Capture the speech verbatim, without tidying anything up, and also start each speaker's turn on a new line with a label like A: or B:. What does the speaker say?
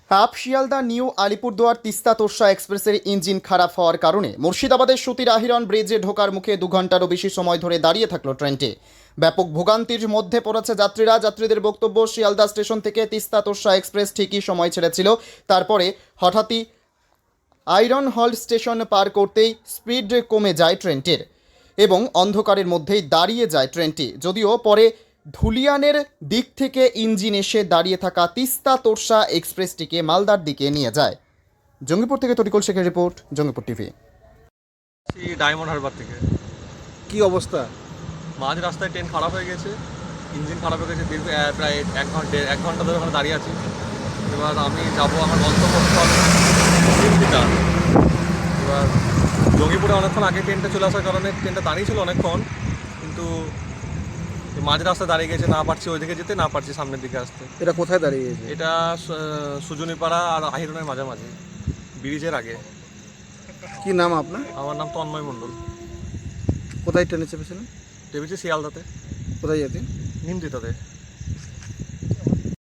A: Up Sealdah new Alipurduar Teesta Torsa এক্সপ্রেসের engine খারাপ হওয়ার কারণে মুর্শিদাবাদের সুতির আহিরন ব্রিজে ঢোকার মুখে দু ঘন্টারও বেশি সময় ধরে দাঁড়িয়ে থাকলো ট্রেনটি। ব্যাপক ভোগান্তির মধ্যে পড়েছে যাত্রীরা। যাত্রীদের বক্তব্য, শিয়ালদা স্টেশন থেকে তিস্তা তোরসা এক্সপ্রেস ঠিকই সময় ছেড়েছিল, তারপরে হঠাৎই আয়রন হল স্টেশন পার করতেই স্পিড কমে যায় ট্রেনটির এবং অন্ধকারের মধ্যেই দাঁড়িয়ে যায় ট্রেনটি। যদিও পরে ধুলিয়ানের দিক থেকে ইঞ্জিন এসে দাঁড়িয়ে থাকা তিস্তা তোরসা এক্সপ্রেসটিকে মালদার দিকে নিয়ে যায়। জঙ্গিপুর থেকে তরিকুল শেখের report, Jangipur TV.
B: Diamond Harbour থেকে
C: কি অবস্থা?
B: মাঝ রাস্তায় ট্রেন খারাপ হয়ে গেছে, ইঞ্জিন খারাপ হয়ে গেছে। দীর্ঘ আহ, প্রায় এক ঘন্টা এক ঘন্টা ধরে ওখানে দাঁড়িয়ে আছি। এবার আমি যাবো আমার গন্তব্যস্থল তিনটা। এবার জঙ্গিপুরে অনেকক্ষণ আগে ট্রেনটা চলে আসার কারণে ট্রেনটা দাঁড়িয়ে ছিল অনেকক্ষণ, কিন্তু মাঝ রাস্তায় দাঁড়িয়ে গেছে। না পারছি ওইদিকে যেতে, না পারছি সামনের দিকে আসতে।
C: এটা কোথায় দাঁড়িয়ে গেছে?
B: এটা সু- সুজনীপাড়া আর আহিরনের মাঝামাঝি, ব্রিজের আগে।
C: কি নাম আপনার?
B: আমার নাম তন্ময় মণ্ডল।
C: কোথায় ট্রেনে চেপেছিলেন?
B: ভেবেছি শিয়ালদাতে,
C: কোথায় যেতেন?
B: নিমতিতাতে।